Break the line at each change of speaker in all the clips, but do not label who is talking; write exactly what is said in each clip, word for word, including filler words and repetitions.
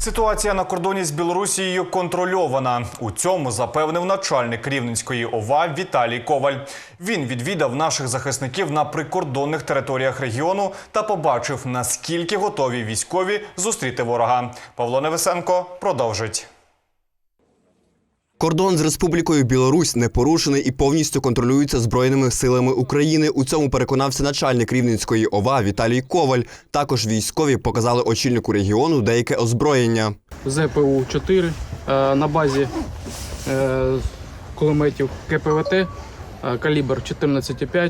Ситуація на кордоні з Білорусією контрольована. У цьому запевнив начальник Рівненської ОВА Віталій Коваль. Він відвідав наших захисників на прикордонних територіях регіону та побачив, наскільки готові військові зустріти ворога. Павло Невесенко продовжить.
Кордон з Республікою Білорусь не порушений і повністю контролюється Збройними силами України. У цьому переконався начальник Рівненської ОВА Віталій Коваль. Також військові показали очільнику регіону деяке озброєння.
Зе Пе У чотири на базі кулеметів Ке Пе Ве Те, калібр чотирнадцять п'ять.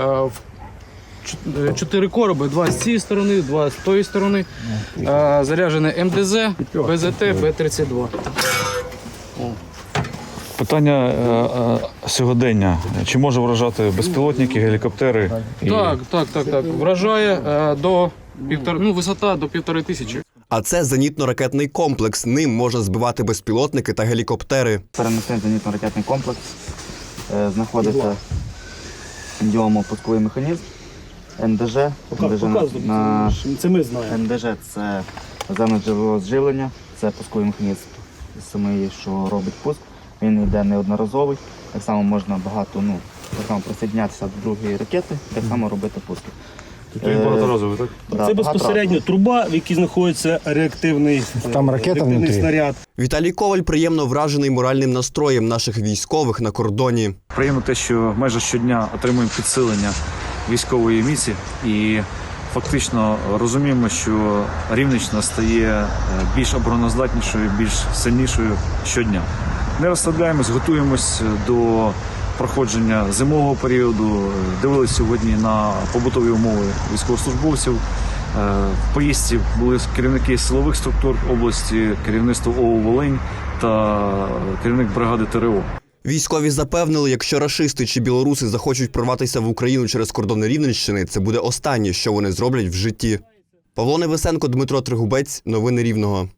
Чотири короби, два з цієї сторони, два з тої сторони. Заряджене Ем Де Зе, Бе Зет Те, Бе тридцять два.
Питання е, е, сьогодення. Чи може вражати безпілотники, гелікоптери? І...
Так, так, так, так. Вражає е, до півтора, ну, висота до півтори тисячі.
А це зенітно-ракетний комплекс. Ним можна збивати безпілотники та гелікоптери.
Переносний зенітно-ракетний комплекс. Е, знаходиться діомо-пусковий механізм. Ен Де Же. На...
Це ми знаємо.
Ен Де Же – це наземне джерело зживлення, це пусковий механізм самий, що робить пуск. Він йде неодноразовий, так само можна багато, ну, так само присоединятися до другої ракети, так само робити пуски.
Він багаторазовий, так?
Да,
це безпосередньо труба, в якій знаходиться реактивний,
Там ракета
реактивний
внутрі.
снаряд.
Віталій Коваль приємно вражений моральним настроєм наших військових на кордоні.
Приємно те, що майже щодня отримуємо підсилення військової міці і фактично розуміємо, що Рівненщина стає більш обороноздатнішою, більш сильнішою щодня. Не розслабляємось, готуємось до проходження зимового періоду. Дивилися сьогодні на побутові умови військовослужбовців. В поїздці були керівники силових структур області, керівництво О У Волинь та керівник бригади Те Ре О.
Військові запевнили, якщо рашисти чи білоруси захочуть прорватися в Україну через кордони Рівненщини, це буде останнє, що вони зроблять в житті. Павло Невесенко, Дмитро Тригубець. Новини Рівного.